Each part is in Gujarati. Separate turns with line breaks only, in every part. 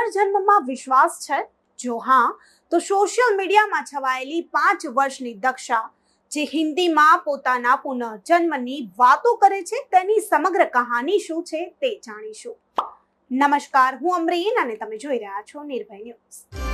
પુનર્જન્મમાં વિશ્વાસ છે? જો હા, તો સોશિયલ મીડિયામાં છવાયેલી 5 વર્ષની દક્ષા જે હિન્દીમાં પોતાના પુનર્જન્મની વાતો કરે છે, તેની સમગ્ર કહાની શું છે તે જાણીશું. નમસ્કાર, હું અમરીન અને તમે જોઈ રહ્યા છો નિર્ભય ન્યૂઝ.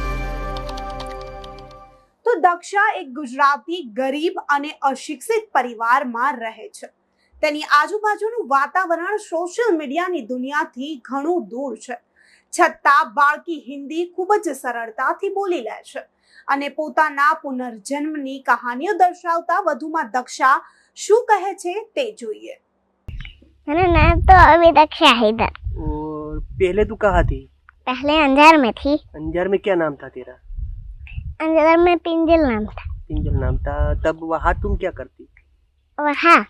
તો દક્ષા એક ગુજરાતી ગરીબ અને અશિક્ષિત પરિવારમાં રહે છે. તેની આજુબાજુનું વાતાવરણ સોશિયલ મીડિયાની દુનિયાથી ઘણું દૂર છે. છતાં બાળકી હિન્દી ખૂબ જ સરળતાથી બોલી લે છે અને પોતાના પુનર્જન્મની કહાનીઓ દર્શાવતા વધુમાં દક્ષા શું કહે છે તે જોઈએ.
मेरा नाम तो अभी दक्षा है इधर.
और पहले तू कहाँ थी?
पहले अंजार में थी.
अंजार में क्या नाम था तेरा?
अंजार में पिंजल नाम था.
पिंजल नाम था. तब वहाँ तुम क्या करती?
वहाँ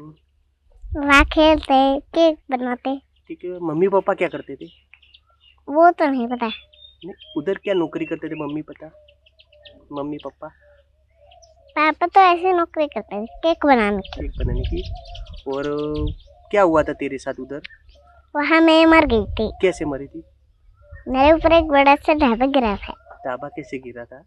वहाँ खेलते, केक बनाते.
ठीक है. मम्मी पापा क्या करते थे?
वो तो नहीं पता.
नहीं, उधर क्या नौकरी करते थे मम्मी पापा?
पापा तो ऐसे नौकरी करते थे, केक बनाने की.
केक बनाने की. और क्या हुआ था तेरे साथ उधर?
वहाँ मैं मर गई थी.
कैसे मरी थी?
मेरे ऊपर एक बड़ा सा ढाबा गिरा था.
ढाबा कैसे गिरा था?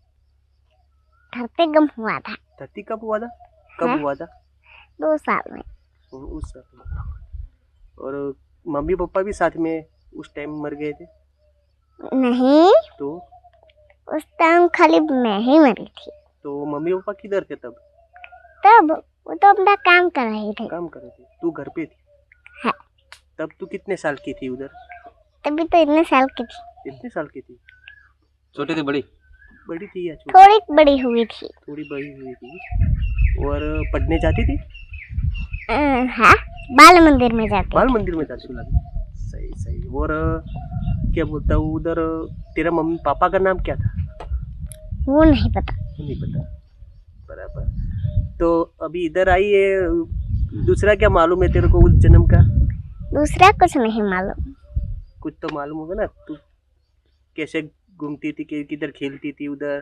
धरती गम हुआ था.
धरती कब हुआ था? कब हुआ था?
2 साल में.
उस साल में. और मम्मी पापा भी साथ में उस टाइम मर गए थे?
नहीं,
तो
उस टाइम खाली मैं ही मरी थी.
तो मम्मी पापा किधर थे तब?
तब वो तो अपना काम कर रहे थे.
काम कर रहे थे. तू घर पे थी?
हाँ.
तब तू कितने साल की थी उधर?
तभी तो इतने साल की थी.
कितने साल की थी?
छोटी थी बड़ी?
बड़ी थी या छोटी?
थोड़ी बड़ी हुई थी.
थोड़ी बड़ी हुई थी. और पढ़ने जाती थी?
हाँ, बाल मंदिर में जाते.
बाल मंदिर में जाती थी. सही सही. और क्या बोलता हूँ, उधर तेरा मम्मी पापा का नाम क्या था?
वो नहीं पता.
नहीं पता. बराबर. तो अभी इधर आई है, दूसरा क्या मालूम है तेरे को उस जन्म का?
दूसरा कुछ नहीं मालूम.
कुछ तो मालूम होगा ना. तू कैसे घूमती थी, किधर खेलती थी उधर?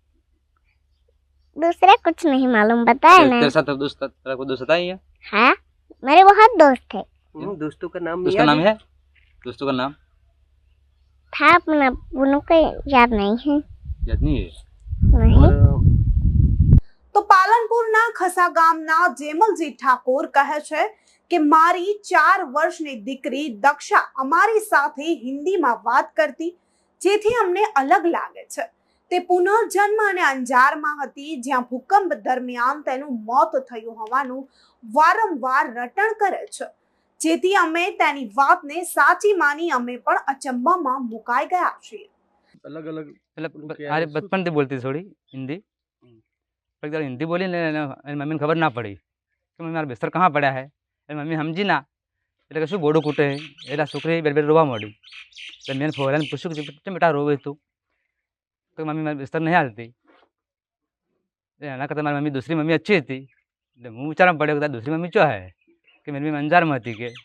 दूसरा कुछ नहीं मालूम. बताया ना.
तेरे साथ तेरा कोई दोस्त था ही है?
हाँ, मेरे बहुत दोस्त थे.
दोस्तों का नाम
दोस्त का नाम है? दोस्तों का नाम
था अपना, उनको याद नहीं है.
याद नहीं है?
नहीं.
તો પાલનપુરના ખસા ગામના જેમલજી ઠાકોર કહે છે કે મારી 4 વર્ષની દીકરી દક્ષા અમારી સાથે હિન્દીમાં વાત કરતી, જેથી અમને અલગ લાગે છે. તે પુનર્જન્મ અને અંજારમાં હતી, જ્યાં ભૂકંપ દરમિયાન તેનું મોત થયું હોવાનું વારંવાર રટણ કરે છે, જેથી અમે તેની વાતને સાચી માની અમે પણ અચંબામાં મુકાઈ ગયા છીએ.
अलग अलग
अरे बचपन से बोलती थोड़ी हिंदी, पर जब हिंदी बोली ने मम्मी ने खबर ना पड़ी कि मम्मी मारा बिस्तर कहाँ पड़ा है. मम्मी समझी ना એટલે કે શું બોડું કૂટે એટલે છોકરી બે રોવા માંડી. એટલે મેં ફોરાને પૂછ્યું કે કેમ બેટા રોવે તું? તો મમ્મી મારી બિસ્તર નહીં હાલતી. એના કરતાં મારી મમ્મી दूसरी मम्मी अच्छी હતી. એટલે હું વિચારવા પડ્યો કે दूसरी मम्मी ચો હે કે મારી મમ્મી અંજારમાં હતી કે.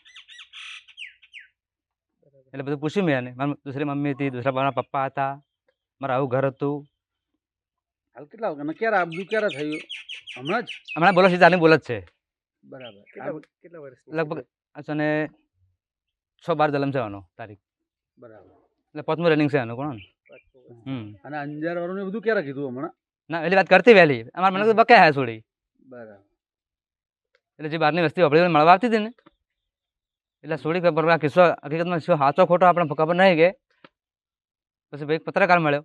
એટલે બધું પૂછ્યું મેં એને. મારી दूसरी मम्मी હતી, दूसरा મારા પપ્પા હતા, મારું આવું ઘર હતું.
હાલ કેટલા વાગ્યા ક્યારે આપજુ ક્યારે થયું? હમણાં જ?
હમણાં બોલો સીધા બોલ જ છે.
બરાબર.
કેટલા વર્ષ?
લગભગ અને 6-12 જલમ છે આનો તારીખ.
બરાબર.
એટલે 5મું રનિંગ છે આનું કોણ.
અને અંજાર વાળું બધું ક્યારે કીધું હમણાં?
ના એલી વાત કરતી વહેલી અમારે મને બકે હે છોડી.
બરાબર.
એટલે જે બહારની વસ્તી આપણે મળવા આવતી હતી ને, એટલે છોડી ખબર આ કિસ્સો હકીકતમાં શું સાચો ખોટો આપણે ખબર નહીં કે પછી ભાઈ પત્રકાર મળ્યો,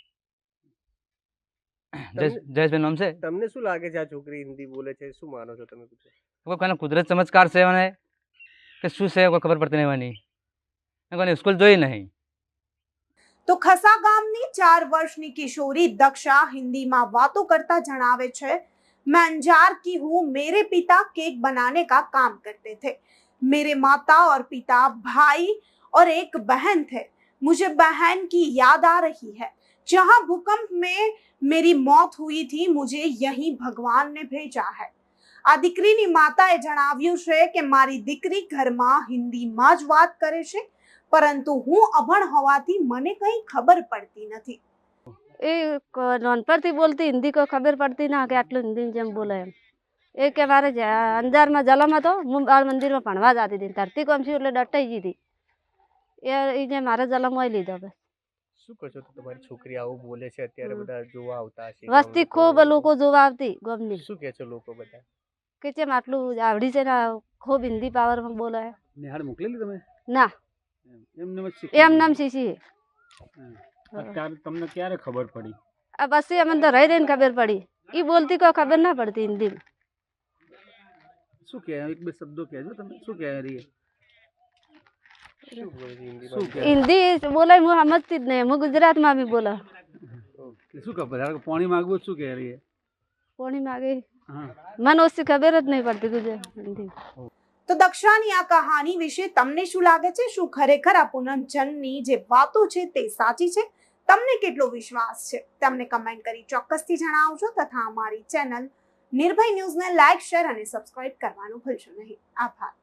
જયેશભાઈ નામ છે.
તમને શું લાગે છે આ છોકરી હિન્દી બોલે છે? શું માનો છો તમે?
કોઈ કુદરત ચમત્કાર છે મને કે શું છે કોઈ ખબર પડતી નહીં. કોઈને સ્કૂલ જોઈ નહીં.
તો ખસા ગામની 4 વર્ષની કિશોરી દક્ષા હિન્દીમાં વાતો કરતા જણાવે છે, मैं अंजार की हूँ, मेरे पिता केक बनाने का काम करते थे. मेरे माता और पिता, भाई और एक बहन थे. मुझे बहन की याद आ रही है. जहाँ भूकंप में मेरी मौत हुई थी, मुझे यहीं भगवान ने भेजा है. આ દીકરીની માતાએ જણાવ્યું છે કે મારી દીકરી ઘરમાં હિન્દીમાં જ વાત કરે છે, પરંતુ હું અભણ હોવાથી મને કંઈ ખબર પડતી નથી.
એ નાનપણથી બોલતી હિન્દી કોઈ ખબર પડતી ના કે આટલું હિન્દી જેમ બોલે એમ. એ કે મારે અંજારમાં જલમ હતો, હું બાળ મંદિરમાં ભણવા જતી હતી. ધરતી કોમ છું એટલે ડટાઈ ગઈ હતી. એ જે મારે જલમ હોય લીધો બસ.
શું કહો છો તો તમારી છોકરી આવું બોલે છે અત્યારે
હમ.
બધા જોવા આવતા હશે
વસ્તી
ગામના
ખૂબ
તો
લોકો જોવા આવતી ગમની
શું કહે છે લોકો બધા
કે ચેમ આટલું આવડી છે ને ખૂબ હિન્દી પાવરમાં બોલે
નિહાળ મોકલેલી તમે
ના
એમને જ શીખી
એમ નામ શીશી
અત્યારે તમને ક્યારે ખબર પડી
આ બસ અમને તો રહી રહીને ખબર પડી એ બોલતી કોઈ ખબર ના પડતી હિન્દીમાં
શું કહે એક બે શબ્દો કહેજો તમે શું કહે રહી
શું બોલે છે હિન્દીમાં?
શું કહે
હિન્દી બોલે હું સમજતી જ નહીં હું ગુજરાતમાં બી બોલા
શું ખબર ધારો કે પાણી માંગવું શું કહે રહી
કોણી માગે
હા
મને ઓછી ખબર જ નહીં પડતી ગુજરાત હિન્દી
તો દક્ષાની આ કહાની વિશે તમને શું લાગે છે? શું ખરેખર આ પુનર્જન્મની જે વાતો છે તે સાચી છે? તમને કેટલો વિશ્વાસ છે? તમને કમેન્ટ કરી ચોક્કસથી જણાવજો તથા અમારી ચેનલ નિર્ભય ન્યૂઝને લાઇક, શેર અને સબસ્ક્રાઇબ કરવાનું ભૂલશો નહીં. આભાર.